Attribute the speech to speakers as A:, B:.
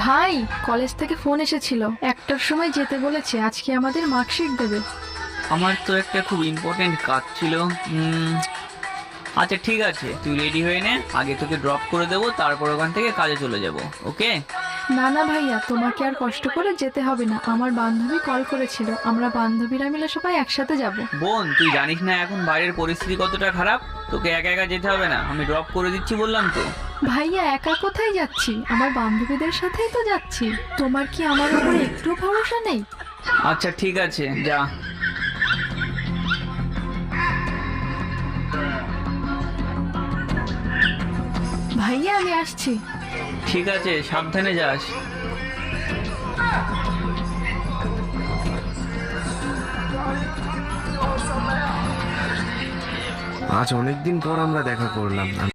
A: ভাই, কলেজ থেকে ফোন এসেছিল, 1টার সময় যেতে বলেছে। আজকে আমাদের মার্কশিট দেবে।
B: আমার তো একটা খুব ইম্পর্টেন্ট কাজ ছিল। আচ্ছা ঠিক আছে, তুই রেডি হয়ে নে, আগে তোকে ড্রপ করে দেবো, তারপর ওখান থেকে কাজে চলে যাব। ওকে?
A: না না ভাইয়া, তোমাকে আর কষ্ট করে যেতে হবে না। আমার বান্ধবী কল করেছিল, আমরা বান্ধবীরা মিলে সবাই একসাথে যাব।
B: বোন, তুই জানিস না এখন বাইরের পরিস্থিতি কতটা খারাপ। তোকে একা একা যেতে হবে না, আমি ড্রপ করে দিচ্ছি বললাম তো।
A: ভাইয়া, একা কোথায় যাচ্ছি? আমার বান্ধবীদের সাথেই তো যাচ্ছি। তোমার কি আমার উপরে একটু ভরসা নেই?
B: আচ্ছা ঠিক আছে, যা।
A: ভাইয়া, আমি আসছি।
B: ঠিক আছে, সাবধানে যাস।
C: আজ অনেকদিন পর আমরা দেখা করলাম।